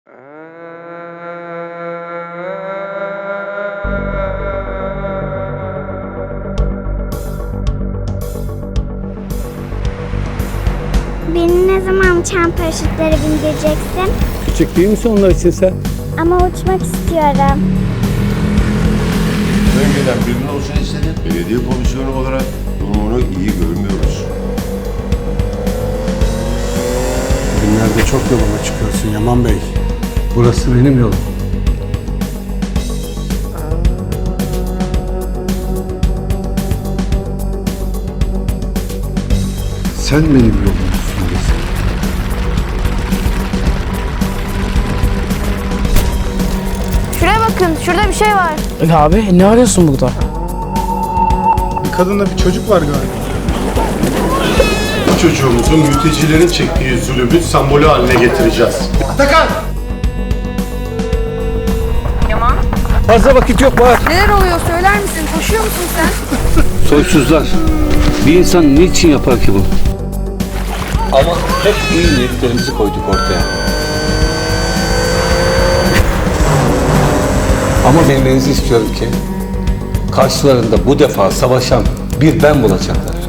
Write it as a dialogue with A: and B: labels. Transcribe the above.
A: Beni ne zaman uçan paraşütlere bindireceksin?
B: Küçük değil misin onlar için sen?
A: Ama uçmak istiyorum.
C: Önceden birinin olsun istedim. Belediye komisyonu olarak durumunu iyi görmüyoruz.
D: Bugünlerde çok yoluma çıkıyorsun Yaman Bey.
B: Burası benim yolum.
D: Sen benim yolum üstündesin.
E: Şuraya bakın, şurada bir şey var.
F: Abi ne arıyorsun burada?
D: Bir kadınla bir çocuk var galiba.
C: Bu çocuğumuzun mültecilerin çektiği zulümün sembolü haline getireceğiz.
D: Atakan!
E: Yaman.
B: Fazla vakit yok var.
E: Neler oluyor söyler misin? Koşuyor musun sen?
B: Soysuzlar. Bir insan niçin yapar ki bunu? Ama hep iyi niyetlerimizi koyduk ortaya. Ama bilmenizi istiyorum ki karşılarında bu defa savaşan bir ben bulacaklar.